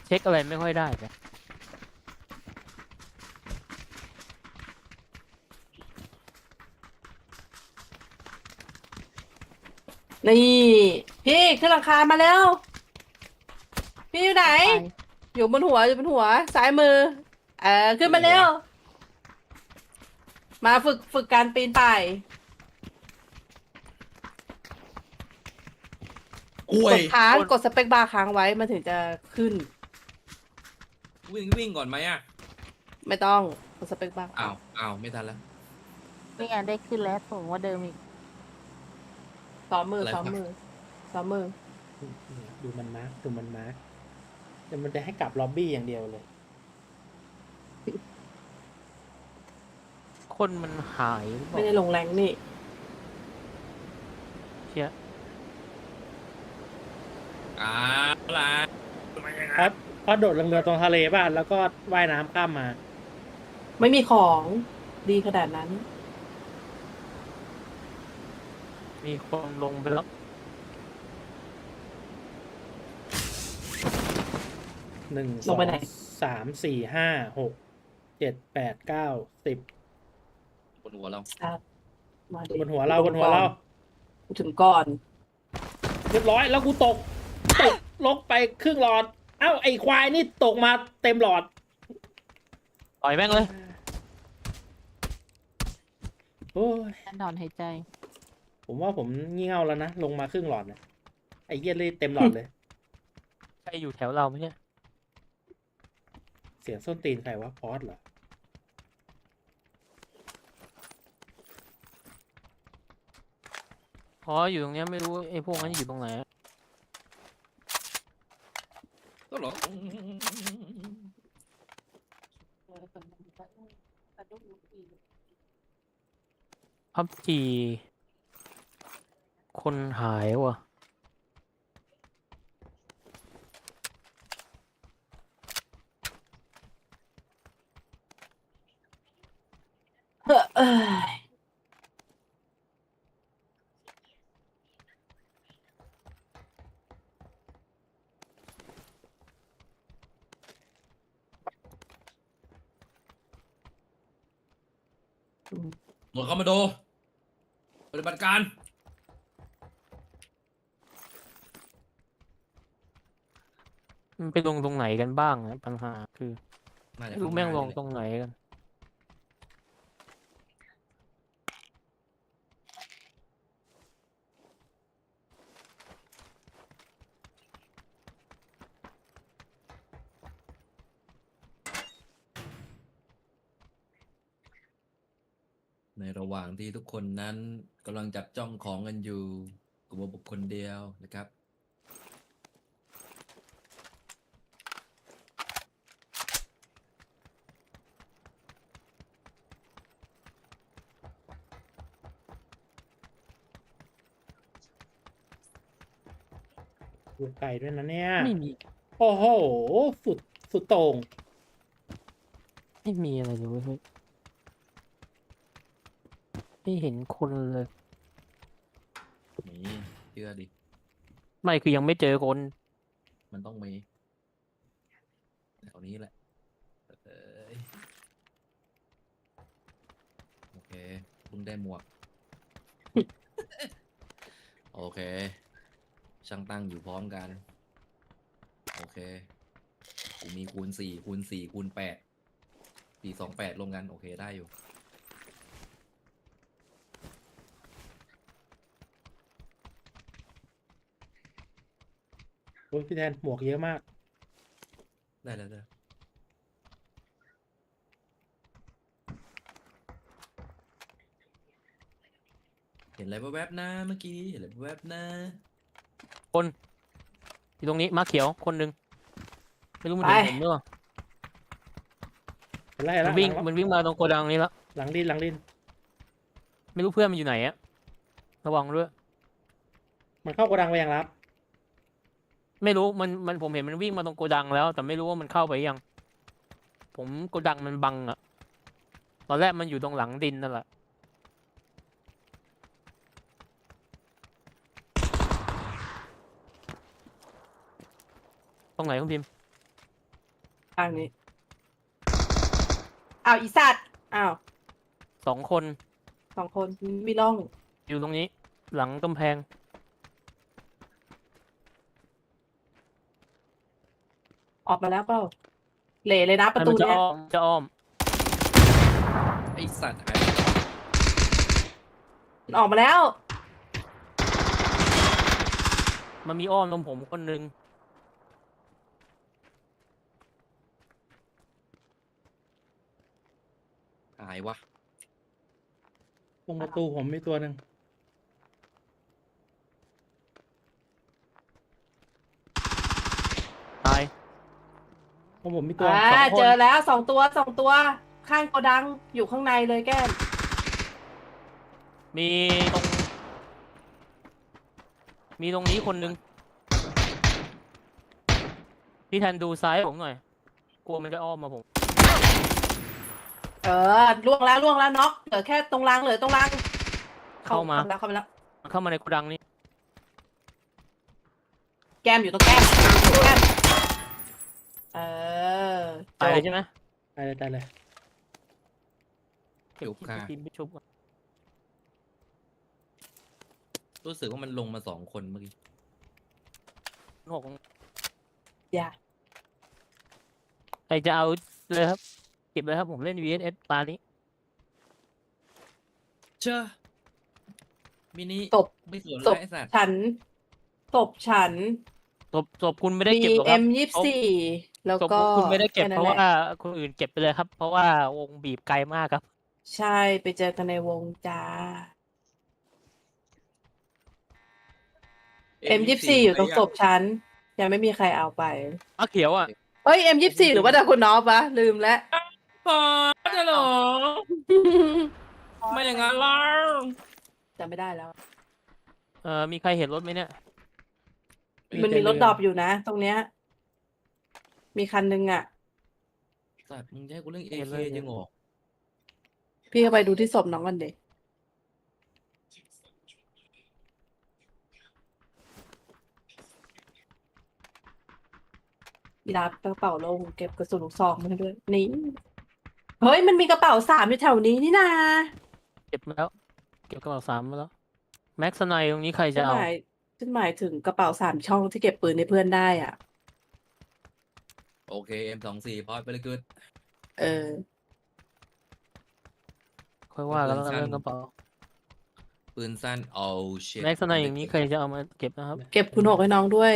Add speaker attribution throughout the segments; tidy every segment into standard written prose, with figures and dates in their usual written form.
Speaker 1: เช็คอะไรไม่ค่อยได้เลย
Speaker 2: นี่พี่ขึ้นหลังคามาแล้วพี่อยู่ไหน
Speaker 3: ไป
Speaker 2: อยู่บนหัวซ้ายมือเออขึ้นมาเร็วมาฝึกการปีนป่าย
Speaker 4: กล้วย
Speaker 2: กดสเปคบาร์ค้างไว้มันถึงจะขึ้น
Speaker 4: วิ่งก่อนไหมอ่ะ
Speaker 2: ไม่ต้องกดสเปคบาร์
Speaker 4: อ้าวไม่ทันแล้ว
Speaker 3: นี่ไงได้ขึ้นแล้วสูงกว่าเดิมอีก
Speaker 2: ซ้อมมือ
Speaker 4: อะไรครับ
Speaker 2: ซ้อมมือซ้อมมือ
Speaker 5: ดูมันมาร์กดูมันมาร์กแต่มันจะให้กลับล็อบบี้อย่างเดียวเลย
Speaker 1: คนมันหายหรือเป
Speaker 2: ไม่
Speaker 1: ล่า
Speaker 2: ได้ลงแรงนี่
Speaker 1: เชี่ย
Speaker 4: อ้าวล่ะ
Speaker 5: ครับพอโดดลงเรือตรงทะเลบ้านแล้วก็ว่ายน้ำข้ามมา
Speaker 2: ไม่มีของดีขนาดนั้น
Speaker 1: มีคนลงไปแล้ว
Speaker 5: หนึ่ง
Speaker 2: ล
Speaker 5: สอง ง
Speaker 2: ไปไหน
Speaker 5: สามสี่ห้าหกเจ็ดแปดเก้าสิบบ
Speaker 4: นหัวเรา
Speaker 2: ครับมาดิ
Speaker 5: บนหัวเราบนหัวเรา
Speaker 2: กูถึงก่อน
Speaker 5: เรียบร้อยแล้วกูตกลงไปครึ่งหลอด เอ้าไอควายนี่ตกมาเต็มหลอด
Speaker 1: ต่อยแม่งเลย
Speaker 5: โอ้ย
Speaker 3: การถอนหายใจ
Speaker 5: ผมว่าผมงี่เง่าแล้วนะลงมาครึ่งหลอดนะไอเหี้ยเลยเต็มหลอดเลย
Speaker 1: ใครอยู่แถวเราไหมเนี่ย
Speaker 5: เสียงส้นตีนใครวะพอสเหรอ
Speaker 1: พออยู่ตรงเนี้ยไม่รู้ไอ้พวกนั้นอยู่ตรงไหนอะ
Speaker 4: ก็หรอ
Speaker 1: พับจีคนหายว่ะ
Speaker 2: เฮ้อเอ้ย
Speaker 4: หมดคอมมานโดปฏิบัติการ
Speaker 1: มันไปลงตรงไหนกันบ้างอะปัญหาคือ
Speaker 4: น่าจะ
Speaker 1: ไม่รู้แม่งลงตรงไหนกัน
Speaker 4: ในระหว่างที่ทุกคนนั้นกำลังจับจ้องของกันอยู่กลุ่มบุคคลเดียวนะครับ
Speaker 5: อยู่ไกลด้วยนะเนี่ย
Speaker 1: ไม่มี
Speaker 5: โอ้โห สุดสุดโต่ง
Speaker 1: ไม่มีอะไรเลยเว้ยเฮ้ยไม่เห็นคนเลย
Speaker 4: นี่เชื่อดิ
Speaker 1: ไม่คือยังไม่เจอคน
Speaker 4: มันต้องมีแถวนี้แหละเอ้ยโอเคเพิ่งได้หมวก โอเค ช่างตั้งอยู่พร้อมกัน โอเค กูมีคูณ4คูณ4คูณ8 428รวมกัน โอเคได้อยู่
Speaker 5: โอ้ยพี่แทนหมวกเยอะมาก
Speaker 4: ได้แล้วได้เห็นอะไรแวบๆนะเมื่อกี้เห็นอะไรแวบๆนะ
Speaker 1: คนอยู่ตรงนี้มาเขียวคนหนึ่งไม่รู้มัน
Speaker 2: ไป
Speaker 1: เห็นผมหรือเปล่า
Speaker 5: เห็นแล้ว
Speaker 1: มันวิ่งมาตรงโกดังนี้แล้ว
Speaker 5: หลังดินหลังดิน
Speaker 1: ไม่รู้เพื่อนมันอยู่ไหนอะระวังด้วย
Speaker 5: มันเข้าโกดังไปยังรับ
Speaker 1: ไม่รู้มันผมเห็นมันวิ่งมาตรงโกดังแล้ว แต่ไม่รู้ว่ามันเข้าไปยัง ผมโกดังมันบังอะตอนแรกมันอยู่ตรงหลังดินนั่นแหละตรงไหนคุณพิมพ์
Speaker 2: ข้างนี้อ้าวอีสัตว์อ้าว
Speaker 1: 2 คน
Speaker 2: 2 คนมีร่อง
Speaker 1: อยู่ตรงนี้ หลังกำแพง
Speaker 2: ออกมาแล้วเปล่าเหละเลยนะประตู
Speaker 1: มันจะ
Speaker 2: เนี้ย
Speaker 1: อ้อมจะอ้อม
Speaker 4: ไอสัตว์หาย
Speaker 2: มันออกมาแล้ว
Speaker 1: มันมีอ้อมตรงผมคนนึง
Speaker 4: หายวะ
Speaker 5: ตรงประตูผมมีตัวหนึ่ง
Speaker 1: ตาย
Speaker 5: ตรงผมมีตัว
Speaker 2: อ่า
Speaker 1: 2 คน
Speaker 2: เจอแล้ว2 ตัวข้างโกดังอยู่ข้างในเลยแก้ม
Speaker 1: มีตรง มีตรงนี้คนนึง พี่แทนดูซ้ายผมหน่อย กลัวมันจะอ้อมมาผม
Speaker 2: ล่วงแล้วน็อกเหลือแค่ตรงรางเหลือตรงราง
Speaker 1: เข้ามา
Speaker 2: เข้ามาแล้ว
Speaker 1: มันเข้ามาในโกดังนี้
Speaker 2: แก้มอยู่ตรงแก้มเออจ
Speaker 1: ตาย
Speaker 2: บ
Speaker 1: เลยใช่ไหม
Speaker 5: ตายเลยตายเลย
Speaker 1: เก็บที่ทีมไปชุบก่อน
Speaker 4: รู้สึกว่ามันลงมา2 คนเมื่อกี้
Speaker 1: หก
Speaker 2: อย่า
Speaker 1: ใครจะเอาเลยครับ เก็บเลยครับผมเล่น VSS ตานี้
Speaker 4: เชื่อมินิ
Speaker 2: ตบ
Speaker 4: ไม่สวน
Speaker 2: ต
Speaker 4: แล้ว
Speaker 2: บ
Speaker 4: ไอสัตว์
Speaker 2: ฉันตบฉัน
Speaker 1: ศพคุณไม่ได้
Speaker 2: มี
Speaker 1: เก็บหรอกครับ
Speaker 2: M24 แล้ว
Speaker 1: ศพ
Speaker 2: ก็
Speaker 1: คุณไม่ได้เก็บ
Speaker 2: แค่
Speaker 1: เพ
Speaker 2: นั้น
Speaker 1: ราะ
Speaker 2: แหล
Speaker 1: ว่าคนอื่นเก็บไปเลยครับ เพราะว่าวงบีบไกลมากครับ
Speaker 2: ใช่ไปเจอกันในวงจ้า M24 อยู่ตรงศพฉันยังไม่มีใครเอาไป
Speaker 1: อ้าเขียวอ่ะ
Speaker 2: เอ้ย M24 หรือว่าแต่คุณน้อปะลืมแล้ว
Speaker 4: ปอจะหรอ ไม่อย่างนั้นล่ะ
Speaker 2: จำไม่ได้แล้ว
Speaker 1: มีใครเห็นรถไหมเนี่ย
Speaker 2: มันมีรถดรอปอยู่นะ ตรงเนี้ย มีคันนึงอ่ะ
Speaker 4: สัตว์มึงจะให้กูเรื่องเอ
Speaker 1: เห็น
Speaker 4: เค
Speaker 1: เลย
Speaker 4: ยังเหรอ
Speaker 2: พี่ก็ไปดูที่ศพน้องกันเด็กรับกระเป๋าลงเก็บกระสุนลูกซองมาให้ด้วย นี่ เฮ้ย มันมีกระเป๋า3อยู่แถวนี้นี่นา
Speaker 1: เก็บมาแล้ว เก็บกระเป๋า3มาแล้ว แม็กซ์ไนตรงนี้ใคร
Speaker 2: ฉั
Speaker 1: จะ
Speaker 2: น
Speaker 1: เอา
Speaker 2: หมายถึงกระเป๋า3 ช่องที่เก็บปืนในเพื่อนได้อ่ะ
Speaker 4: โอเค M24 พอดไปเลยกึด
Speaker 2: เออ
Speaker 1: ค่อยว่ากัน
Speaker 4: เป็น
Speaker 1: แล้ว
Speaker 4: สั้น
Speaker 1: เรื่องกระเป๋า
Speaker 4: ปืนสั้นโอ้ชิต
Speaker 1: แม็กซ์ไนอย่างนี้ใครจะเอามาเก็บนะครับ
Speaker 2: เก็บคุณหกให้น้องด้วย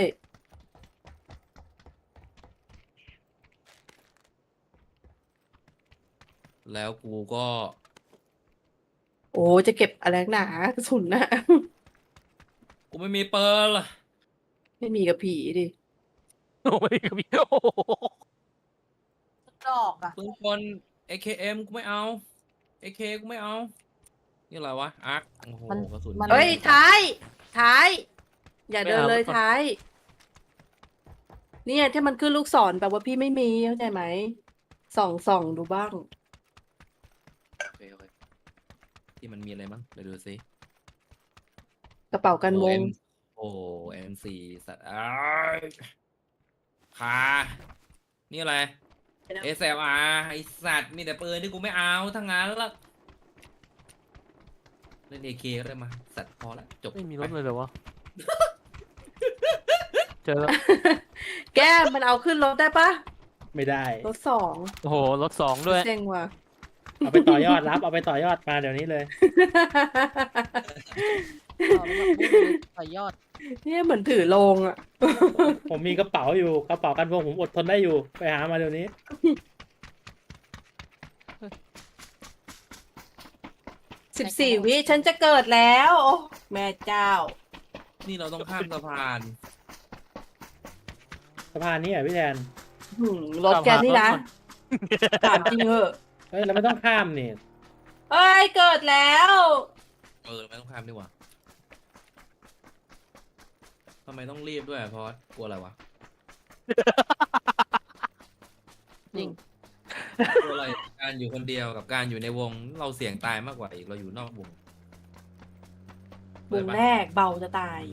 Speaker 4: แล้วกูก็
Speaker 2: โอ้จะเก็บอะไรนักหนากระสุนน่ะ
Speaker 4: กูไม่มีเปิร์ล
Speaker 2: ไม่มีกับผีดิ
Speaker 1: โอ้ยครับพี่โอ้โห
Speaker 2: ดอกอ่ะ
Speaker 4: ปืนคน AKM กูไม่เอา AK กูไม่เอา นี่อะไรวะ อาร์คโอ้โห กระสุน
Speaker 2: เฮ้ย ท้าย อย่าเดินเลยท้าย เนี่ยที่มันขึ้นลูกศรแปลว่าพี่ไม่มีเข้าใจไหม ส่องดูบ้าง
Speaker 4: โอเคที่มันมีอะไรบ้างเดี๋ยวดูสิ
Speaker 2: กระเป๋ากันวง
Speaker 4: โอ้ M4 สัตว์อ้ยคานี่อะไร SLR ไอสัตว์มีแต่ปืนที่กูไม่เอาทั้งนั้นละเล่น AK ก็ได้มา สัตว์พอละจบ
Speaker 1: ไม่มีรถเลยเหรอวะ เจอแล้ว
Speaker 2: แก้มมันเอาขึ้นรถได้ปะ
Speaker 5: ไม่ได้
Speaker 2: รถ2
Speaker 1: โอ้โห รถ2ด้วย
Speaker 2: เซ็งว่ะ
Speaker 5: เอาไปต่อยอดรับ เอาไปต่อยอดมาเดี๋ยวนี้เลย
Speaker 3: ต่อยอด
Speaker 2: เนี่ยเหมือนถือโลงอ่ะ
Speaker 5: ผมมีกระเป๋าอยู่กระเป๋ากันพวงผมอดทนได้อยู่ไปหามาเดี๋ยวนี้
Speaker 2: 14 วิฉันจะเกิดแล้ว โอ้แม่เจ้า
Speaker 4: นี่เราต้องข้ามสะพาน
Speaker 5: สะพานนี้อ่ะพี่แทน
Speaker 2: รถแกนี่นะถามจริงเหอะ
Speaker 5: เฮ้ยเราไม่ต้องข้ามนี่
Speaker 2: เอ้ย เกิดแล้ว
Speaker 4: ไม่ต้องข้ามดีกว่าทำไมต้องรีบด้วยเพราะกลัวอะไรวะ
Speaker 3: จริง
Speaker 4: กลัวอะไรการอยู่คนเดียวกับการอยู่ในวงเราเสี่ยงตายมากกว่าอีกเราอยู่นอกวง
Speaker 2: วงแรกเบาจะตาย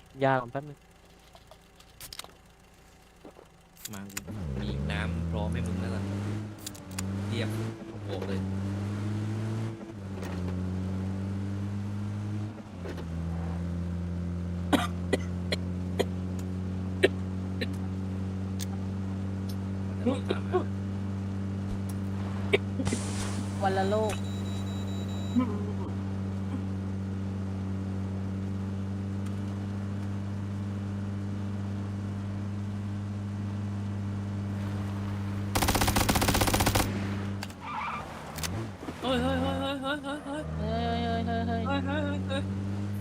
Speaker 1: ยาก่อนแป๊บนึง
Speaker 4: มามีน้ำพร้อมให้มึงแล้วล่ะเทียบโบกเลยมันจะลงตามมา
Speaker 3: วันละโลก
Speaker 4: เฮ้ยเฮ้ยเฮ้ยเฮ้ยเฮ้ยเฮ้ยเฮ้ย
Speaker 3: เฮ้ยเฮ้ยเฮ้ยเฮ้ย
Speaker 4: เฮ้ยเฮ้ยเฮ้ย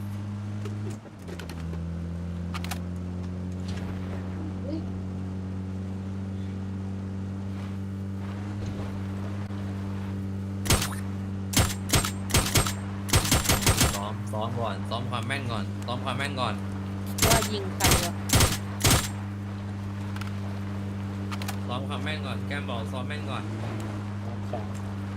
Speaker 4: ซ้อมก่อนซ้อมความแม่นก่อนซ้อมความแม่นก่อน
Speaker 3: ว่ายิงใครวะ
Speaker 4: ซ้อมความแม่นก่อนแก้มบอกซ้อมแม่นก่อน
Speaker 5: สอง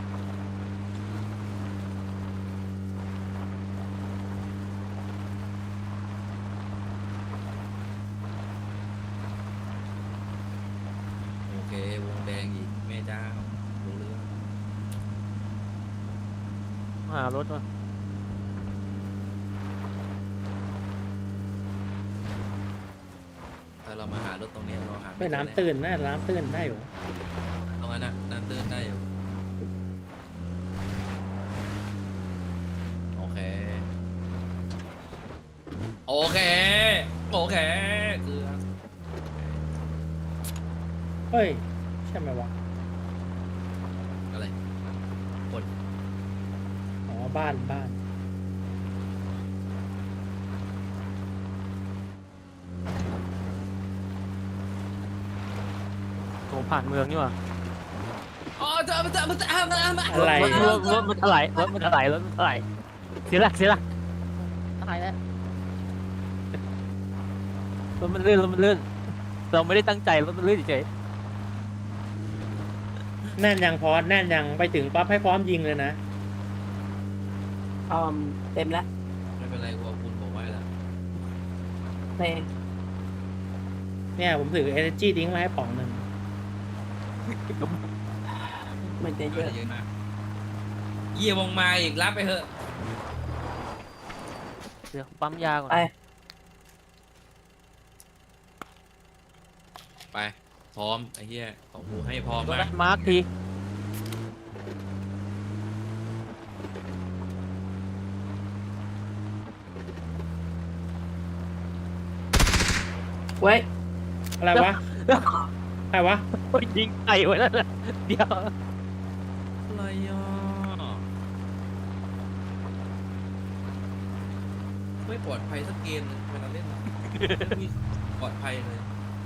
Speaker 4: โอเควงแดงอีกแม่เจ้ารู้เรื่อง
Speaker 1: หารถมา
Speaker 4: ถ้าเรามาหารถตรงนี้เราหา
Speaker 5: ไม่
Speaker 4: เจอ
Speaker 5: น้ำตื้นนะน้ำตื้นได้อยู่
Speaker 4: ตรงนั้นนะน้ำตื้นได้อยู่โอเคโอเคโอเคเกลือ
Speaker 5: เฮ้ยใช่ไหมวะ
Speaker 4: อะไรคน
Speaker 5: อ๋อบ้านบ้าน
Speaker 1: โถผ่านเมืองนี่หว่า
Speaker 4: อ๋อเจอมา
Speaker 5: อะไร
Speaker 1: รถมันถลายรถมันถลายรถมันถลายเสียหลักเสียหลัก
Speaker 3: ตายแล้ว
Speaker 1: รถมันลื่นรถมันลื่นเราไม่ได้ตั้งใจรถมันลื่นเฉย
Speaker 5: แน่นยังพอแน่นยังไปถึงปั๊บให้พร้อมยิงเลยนะ
Speaker 2: เต็มแล้ว
Speaker 4: ไม่เป็นไรกูเอาคุณผมไว้แล้ว
Speaker 2: เพลง
Speaker 5: เนี่ยผมถือ energy ทิ้งมาให้ป๋องหนึ่ง
Speaker 2: มันจะเย
Speaker 4: เย
Speaker 2: อะ
Speaker 4: อะมากเยี่ยวงมาอีกรับไปเถอะ
Speaker 1: เดี๋ยวปั๊มยาก่อน
Speaker 2: ไป
Speaker 4: ไปพร้อมไอ้เหี้ยของกูให้พร้อม
Speaker 1: รถ
Speaker 4: มาก
Speaker 1: มาร์คที
Speaker 2: เว้ย
Speaker 5: อะไรวะอะไรวะ
Speaker 1: โอ้ยยิงไก่ไว้แล้วนะเดี๋ยว
Speaker 4: อะไรอ่ะไม่ปลอดภัยสักเกมหนึงเวลาเล่นไม่มีปลอดภัยเลย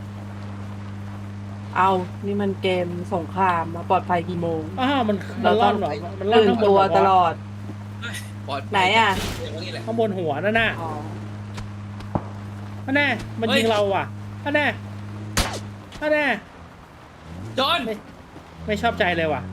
Speaker 2: เอานี่มันเกมสงครามมาปลอดภัยกี่โมง
Speaker 5: อ้าวมัน
Speaker 2: เรา
Speaker 5: ล่
Speaker 2: ต้
Speaker 5: อ
Speaker 2: อน ง
Speaker 5: เหรอมันล่อน
Speaker 2: ตื่น
Speaker 5: ข้างบน
Speaker 2: ตัว
Speaker 5: เหรอ
Speaker 2: ตลอด
Speaker 4: ปลอดภัย
Speaker 2: ไหนอะ
Speaker 4: เกมนี้แหละ
Speaker 5: ข้างบนหัวนั่นน่ะ
Speaker 2: อ๋อ
Speaker 5: อันแน่มัน
Speaker 4: เฮ้ย
Speaker 5: ยิงเราอ่ะอันแน่อันแน่
Speaker 4: จอน
Speaker 5: ไม่ชอบใจเลยว่ะ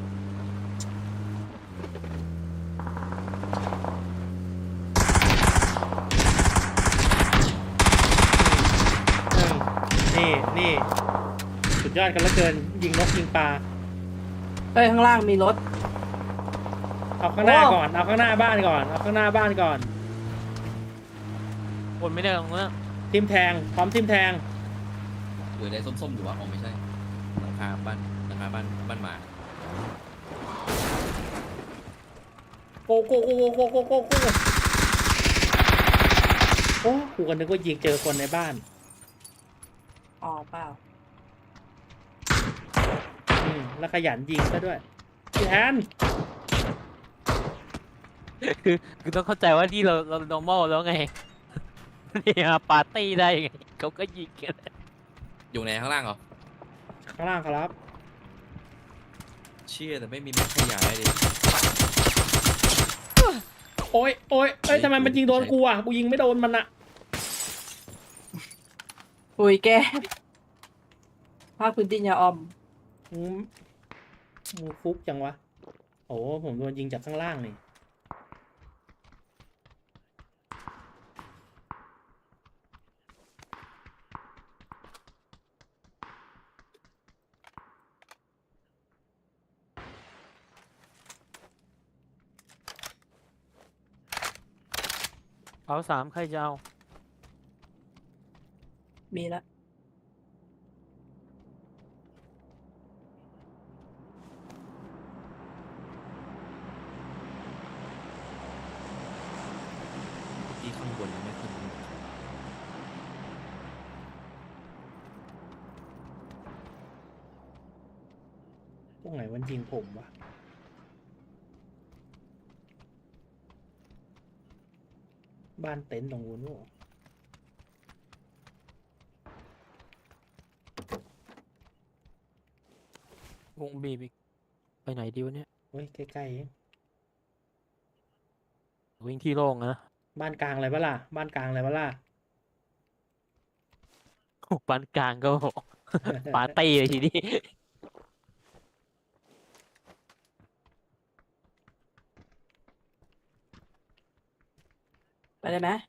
Speaker 5: นี่สุดยอดกันเหลือเกินยิงนกยิงปลา
Speaker 2: เอ้ยข้างล่างมีรถ
Speaker 5: เอาข้างหน้า
Speaker 2: โอ้
Speaker 5: ก่อนเอาข้างหน้าบ้านก่อนเอาข้างหน้าบ้านก่อน
Speaker 1: คนไม่ได้ตรงนั้น
Speaker 5: ทิมแทงพร้อมทิมแทง
Speaker 4: อยู่ในส้มๆอยู่วะอ๋อไม่ใช่หลังคาบ้านหมา
Speaker 5: โกโกโกโกโกโกโกโกโอ้กูก็นึกว่ายิงเจอคนในบ้าน
Speaker 2: อ๋อเปล่า
Speaker 5: แล้วขยันยิงซะด้วยพี่แทน
Speaker 1: คือต้องเข้าใจว่าที่เรา normal แล้วไงเนี่ยปาร์ตี้ได้ไงเขาก็ยิงกัน
Speaker 4: อยู่ในข้างล่างเหรอ
Speaker 5: ข้างล่างครับ
Speaker 4: เชี่ยแต่ไม่มีแม็กขยายดิ
Speaker 5: โอ้ยโอ้ยเอ้ยทำไมมันยิงโดนกูอ่ะกูยิงไม่โดนมันอ่ะ
Speaker 2: ปุยแกภาคพื้นดินยาออม
Speaker 5: มูฟุกจังวะโอ้ผมโดนยิงจากข้างล่างนี่
Speaker 1: เผา3ใครจะเอา
Speaker 2: มีละ
Speaker 4: ที่ข้างบนยังไม่ขึ้น
Speaker 5: ตรงไหนมันยิงผมวะบ้านเต็นท์ตรงนู้นวะ
Speaker 1: วงบีบอีกไปไหนดีวะเนี่ย
Speaker 5: เฮ้ยใกล้ๆเอง
Speaker 1: วิ่งที่โล่งนะ
Speaker 5: บ้านกลางอะไรปะล่ะบ้านกลางอะไรปะล่ะ
Speaker 1: โอ้ปานกลางก็ปาร์ตี้เลยทีนี้
Speaker 2: ไปได้ไหม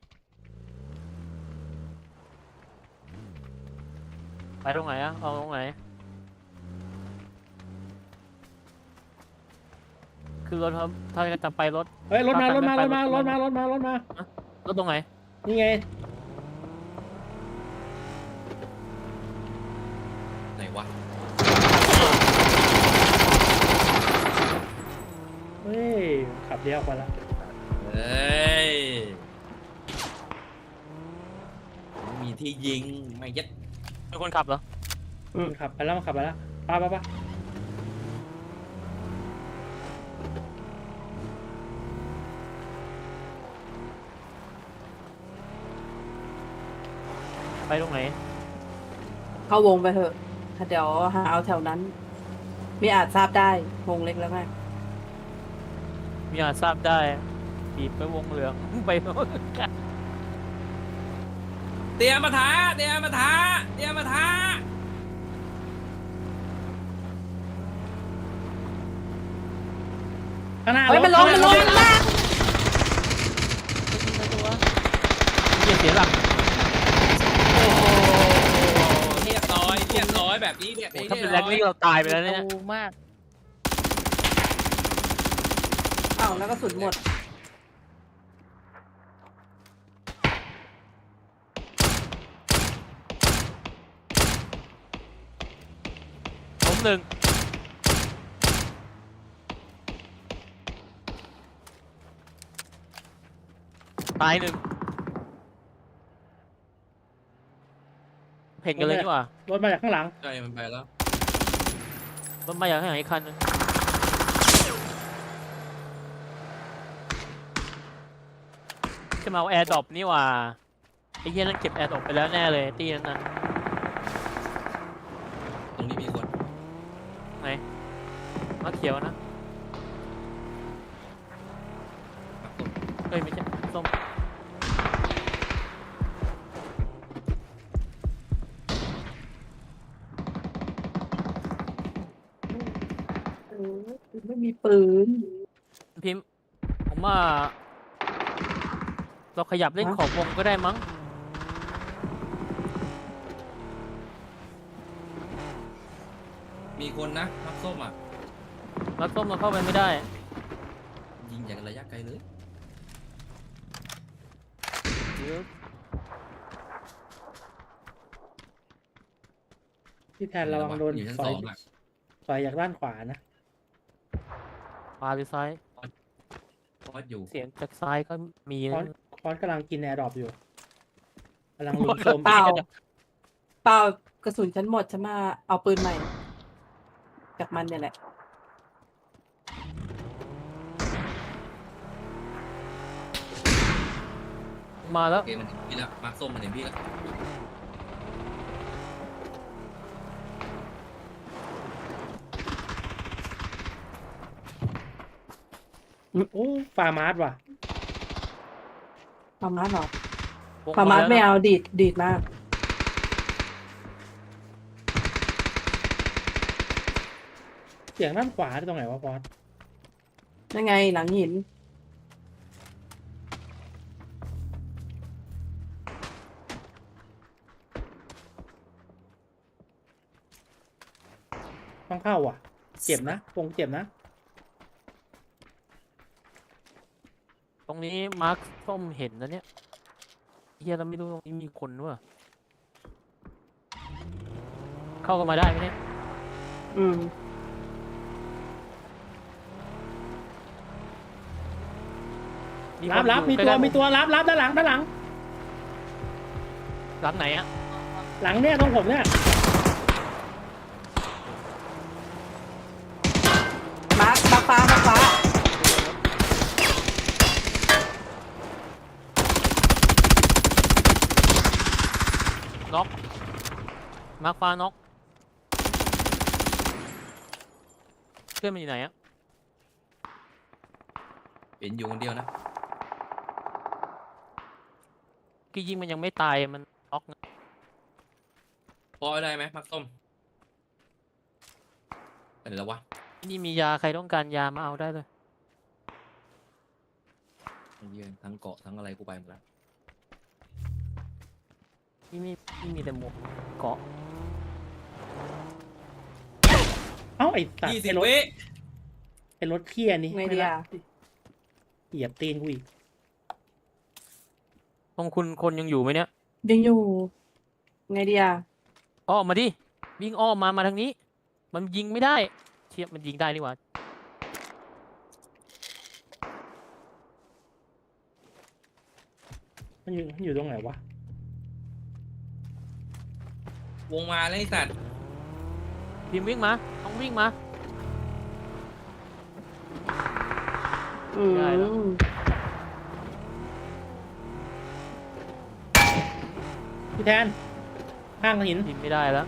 Speaker 1: ไปตรงไหนอะเอาตรงไหนคือรถครับถ้าจะไปรถ
Speaker 5: เฮ้ยรถมารถมา
Speaker 1: ไป
Speaker 5: รถ
Speaker 1: ไป
Speaker 5: มาร
Speaker 1: ร
Speaker 5: ถ
Speaker 1: ถ
Speaker 5: มารถมารถมา
Speaker 1: รถตรงไหน
Speaker 5: นี่ไง
Speaker 4: ไหนวะ
Speaker 5: เฮ้ยขับเลี้ยวไปละ
Speaker 4: เฮ้ยไม่มีที่ยิงไม่ยัด
Speaker 1: เป็นคนขับเหรอ
Speaker 5: มันขับไปแล้วมันขับไปแล้วป้าป้าป้า
Speaker 1: ไปตรงไหน
Speaker 2: เข้าวงไปเถอะถ้าเดี๋ยวหาเอาแถวนั้น ไม่อาจทราบได้วงเล็กแล้วไง
Speaker 1: มีอาจทราบได้บีบไปวงเหลือง ไป
Speaker 4: เตรียมมาท้าเตรียมมาท้าเตรียมมาท้า
Speaker 5: ข้างหน้า
Speaker 2: เฮ้ยมันลงมันลงมันลง
Speaker 1: เหี้ยเสียหลัก
Speaker 4: โอ้โหเรียบร้อยเรียบร้อยแบบนี้แบบ
Speaker 1: โอ้
Speaker 4: นี้
Speaker 1: ถ้าเป็นแรงนี่เราตายไปแล้วเนี่ย
Speaker 3: ดูมาก
Speaker 2: อ้าวแล้วก็สุดหมด
Speaker 1: ผมหนึ่งตายหนึ่งเพ่งกันเลยดีกว่าร
Speaker 5: ถมาจากข้างหลัง
Speaker 4: ใช่มันไปแล้ว
Speaker 1: รถมาอย่างไหนอีกคันหนึงจะมาเอาแอร์ดรอปนี่หว่าไอ้เหี้ยนั่นเก็บแอร์ดรอปไปแล้วแน่เลยตีนั้นน่ะ
Speaker 4: ตรงนี้มีคน
Speaker 1: ไหนมาเขียวนะ
Speaker 4: ปักตก
Speaker 1: เอ้ยไม่ใช่ส้ม
Speaker 2: ไม่มีปืน
Speaker 1: พิมพ์ผมว่า เราขยับเล่น
Speaker 2: ฮะ
Speaker 1: ขอบวงก็ได้มั้ง
Speaker 4: มีคนนะมักส้มอ่ะ
Speaker 1: แล้วส้มเราเข้าไปไม่ได้
Speaker 4: ยิงจากระยะไกลเลย
Speaker 5: ที่แทนระวังโดน
Speaker 4: อยู่ชั้น
Speaker 5: ส
Speaker 4: ส
Speaker 5: อ
Speaker 4: อย งอ่ะ
Speaker 5: สอยจากด้านขวานะ
Speaker 1: ขวาหรือซ้าย
Speaker 4: พอดอยู่
Speaker 1: เสียงจากซ้ายก็มี
Speaker 5: คอ
Speaker 1: นะ
Speaker 5: นคอนกำลังกินแอร์ดรอปอยู่กำลังลุมโซม
Speaker 2: เปล่า เปล่ากระสุนฉันหมดฉันมาเอาปืนใหม่ จากมันเนี่ยแหละ
Speaker 1: มาแล้ว
Speaker 4: โอเคมันเห็นพี่แล้วมักส้มมันเห็นพี่แล้ว
Speaker 5: โอ้ฟาร์มาร์สว่ะ
Speaker 2: ปามาสเหรอ
Speaker 1: วง
Speaker 2: ปามาส
Speaker 1: แล้ว
Speaker 2: ไม่
Speaker 1: นะ
Speaker 2: เอาดีดมาก
Speaker 5: เสียงด้านขวาที่ตรงไหนวะพอส
Speaker 2: นั่นไงหลังหิน
Speaker 5: ต้องเข้าว่ะ เจ็บนะวงเจ็บนะ
Speaker 1: ผรงนี้มาร์คส้มเห็นนะเนี่ยเฮียเราไม่รู้ตรงนี้มีคนด้วยเข้ากันมาได้ไหมเนี่ย
Speaker 2: อืม
Speaker 5: รับมีตัวรับด้านหลัง
Speaker 1: หลังไหนอะ
Speaker 5: หลังเนี่ยตรงผมเนี่ย
Speaker 2: มาร์คฟ้า
Speaker 1: น็อกมาร์คฟ้าน็อกเพื่อนมันอยู่ไหนอะ
Speaker 4: เห็นอยู่คนเดียวนะ
Speaker 1: กี่ยิงมันยังไม่ตายมันน็อกนะ
Speaker 4: พอได้ไหมมักส้มอะไรแล้ววะ
Speaker 1: นี่มียาใครต้องการยามาเอาได้เลย
Speaker 4: ไอ้เหี้ยทั้งเกาะทั้งอะไรกูไปหมดแล้ว
Speaker 1: นี่มีแต่หมวกเกาะ
Speaker 5: เอ้าไอ้สัตว์
Speaker 4: 20
Speaker 5: ไอ้รถ
Speaker 4: วิ
Speaker 5: ไอ้รถเคี้ยนี่
Speaker 2: ไงดีอ่ะ
Speaker 5: เหยียบตีนกูอีก
Speaker 1: ตรงคุณคนยังอยู่ไหมเนี่ย
Speaker 2: ยังอยู่ ไงดีอ่ะ
Speaker 1: อ้อมมาดิวิ่งอ้อมมาทางนี้ มันยิงไม่ได้เทียบมันยิงได้นี่หว่า
Speaker 5: มันอยู่ตรงไหนวะ
Speaker 4: วงมาแล้วไอ้สัตว์
Speaker 1: พิมพ์วิ่งมาต้องวิ่งมา
Speaker 2: อืม
Speaker 1: ได้แล้ว
Speaker 5: พี่แทนข้างหิน
Speaker 1: พิมพ์ไม่ได้แล้ว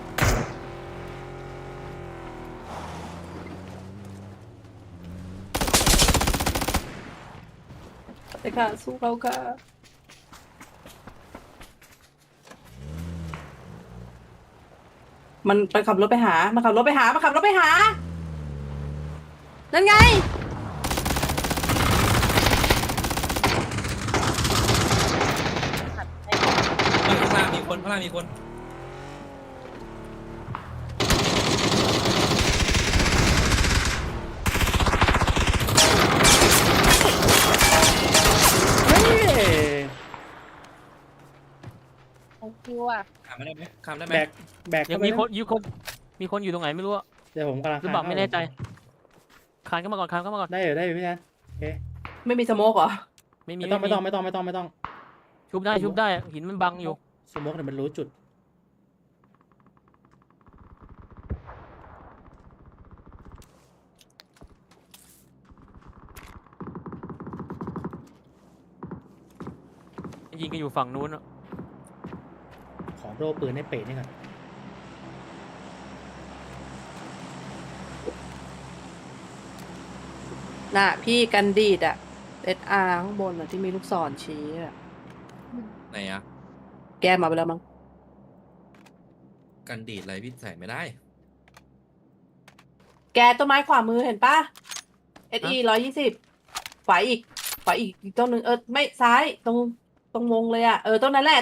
Speaker 2: แต่ค่ะสู้เขาค่ะมันไปขับรถไปหา มาขับรถไปหา นั่นไง
Speaker 4: ข้างล่างมีคน
Speaker 5: เฮ้ย
Speaker 3: ของคิวอ่ะ
Speaker 4: ข้ามได้ไหมข้ามได้ไหม
Speaker 5: แบก
Speaker 1: ยั
Speaker 5: เข้าง ไป
Speaker 1: มีคนอยู่ตรงไหนไม่รู้อะ
Speaker 5: เดี๋ยวผมกำลัง
Speaker 1: หรือเปล่าไม่แน่ใจคานเข้ามาก่อน
Speaker 5: ได้อยู่พี่แทน
Speaker 2: ไม่มีสโมกเหรอ
Speaker 1: ไม่มี
Speaker 5: ไม่ต้อง
Speaker 1: ชุบได้หินมันบังอยู่
Speaker 5: สมมติเนี่ยมันรู้จุด
Speaker 1: ยิงกันอยู่ฝั่งนู้นอะ
Speaker 5: ขอโดปืนให้เป๋นี่ก่อน
Speaker 2: น่ะ พี่กันดีดอ่ะ SR ข้างบนอ่ะ ที่มีลูกศรชี้อ่ะ
Speaker 4: ไหนอะ
Speaker 2: แกมาไปแล้วมั้ง
Speaker 4: กันดีดอะไรพี่ใส่ไม่ได้
Speaker 2: แกต้นไม้ขวามือเห็นปะ SE 120ขวาอีกต้นหนึ่งไม่ซ้ายตรงวงเลยอ่ะ ต้นนั้นแหละ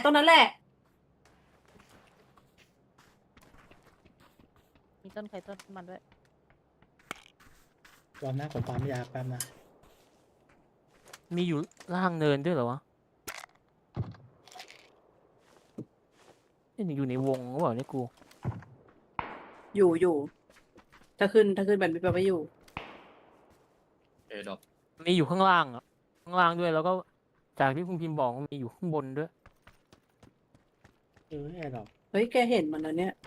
Speaker 3: มีต้นไข่ต้นมันด้วย
Speaker 5: รอบหน้าผมปั๊มยาแป๊บนะ
Speaker 1: มีอยู่ล่างเนินด้วยเหรอวะนี่อยู่ในวงหรือเปล่าเนี่ยกู
Speaker 2: อยู่ถ้าขึ้นแบบนี้แปลว่าอยู่
Speaker 4: ดอก
Speaker 1: มีอยู่ข้างล่างอะข้างล่างด้วยแล้วก็จากที่คุณพิมพ์บอกว่ามีอยู่ข้างบนด้วย
Speaker 5: แอร์ดรอป
Speaker 2: เฮ้ย แกเห็นมันแล้วเนี่ย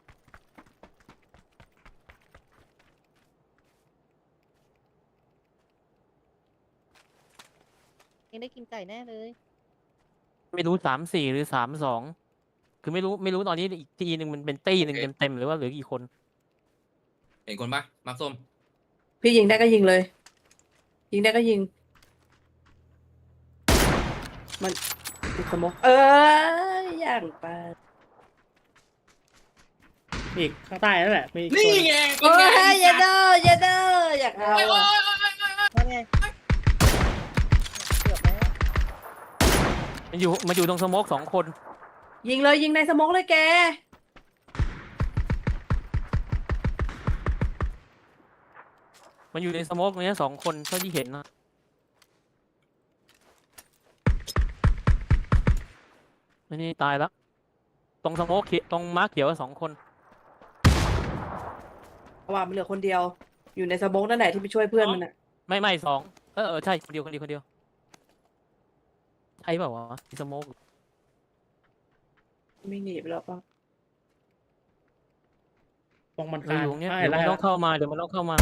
Speaker 3: ยังได้กินไก่แน่เลย
Speaker 1: ไม่รู้34หรือ32คือไม่รู้ตอนนี้อีกทีหนึ่งมันเป็นตี้หนึ่งเต็มๆหรือว่าเหลือกี่คน
Speaker 4: เห็นคนปะมักส้ม
Speaker 2: พี่ยิงได้ก็ยิงเลย มันติดสโมกอย่างไป
Speaker 5: อีกข้างใต้นั่นแหละมีอีก
Speaker 4: นี่
Speaker 5: ตัว
Speaker 4: ไง
Speaker 2: โอ้ยอย่าเด้ออยากเอาอะ
Speaker 3: นั่นไงเกือบแล้ว
Speaker 1: มันอยู่ตรงสโมก2 คน
Speaker 2: ยิงในสโมกเลยแก
Speaker 1: มันอยู่ในสโมกเนี้ย2 คนเท่าที่เห็นนะอันนี้ตายแล้วตรงสโมกเขียวตรงม้าเขียว2 คน
Speaker 2: เพราะว่ามันเหลือคนเดียว อยู่ในสโมกนั่นแหละที่ไปช่วยเพื่อนมันอ่ะ
Speaker 1: ไม่2ใช่คนเดียวใช่เปล่าวะสโมก
Speaker 2: ไม่หนีไปแล้วป่ะ
Speaker 5: ตรงมัน
Speaker 1: เรา
Speaker 5: คา
Speaker 1: อยู่ตรงเนี้ย
Speaker 5: ใช่
Speaker 1: เดี๋ยว
Speaker 5: แล้
Speaker 1: มัน
Speaker 5: ว
Speaker 1: ต้องเข้ามาเดี๋ยวมันต้องเข้ามา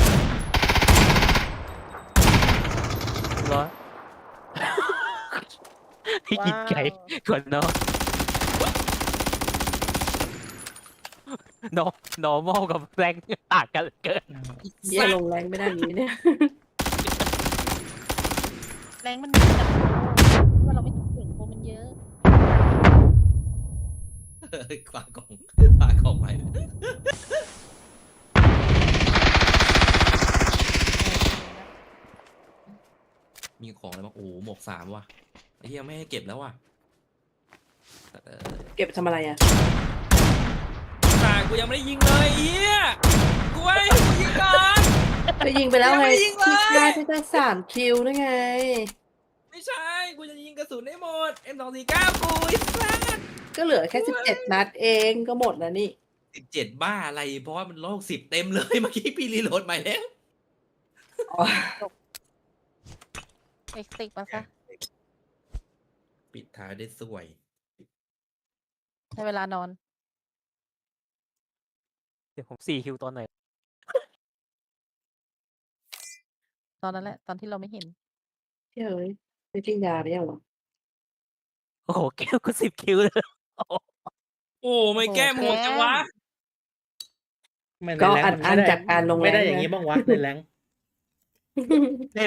Speaker 1: ร้อย ให้กินไก่ก่อนเนาะnormal กับแรงต่างกันเหลือเกิน
Speaker 2: เยี่ยลงแรงไม่ได้อย่างนี้เนี่ย
Speaker 3: แรงมันมีแต่ว่าเราไม่เก่งตัวมันเยอะ
Speaker 4: ฝากของไป มีของอะไรบ้างโอ้โหหมวก3ว่ะไอ้เหี้ยไม่ให้เก็บแล้วว่ะแต่
Speaker 2: เก็บไปทำอะไรอ่ะ
Speaker 4: กูยังไม่ได้ยิงเลยไอ้เหี้ยกูให้กูยิงก่อน
Speaker 2: ไปยิงไปแล้วไง
Speaker 4: ยังไม่ยิงเลย
Speaker 2: ที่ได้ที่ได้3 คิวด้วยไง
Speaker 4: ไม่ใช่กูจะยิงกระสุนให้หมด M249 กูไอ้สัส
Speaker 2: ก็เหลือแค่17 นัดเองก็หมดแล้วนี่
Speaker 4: 17บ้าอะไรเพราะว่ามัน160เต็มเลยเมื่อกี้พี่รีโหลดใหม่แล้ว
Speaker 2: อ๋อ
Speaker 3: เอ็กติกมาซะ
Speaker 4: ปิดท้ายได้สวย
Speaker 3: ใช้เวลานอน
Speaker 1: เดี๋ยวผม4 คิวตอนไหน
Speaker 3: ตอนนั้นแหละ ตอนที่เราไม่เห็น
Speaker 2: เฮ้ยไม่กินยาไปยังหรอ
Speaker 1: โอ้โหแก้วก็10 คิวเลยโอ้โห
Speaker 4: โอ้ไม่แก้หมวกจังวะ
Speaker 5: ไม่ใน
Speaker 2: ก็
Speaker 5: แรง
Speaker 2: อั
Speaker 5: มัน
Speaker 2: อั
Speaker 5: ไม่
Speaker 2: น
Speaker 5: ได้
Speaker 2: จากการลงแรง
Speaker 5: ไม่ได้อย่างนี้
Speaker 2: นะ
Speaker 5: บ้างวะในแรง
Speaker 1: ใน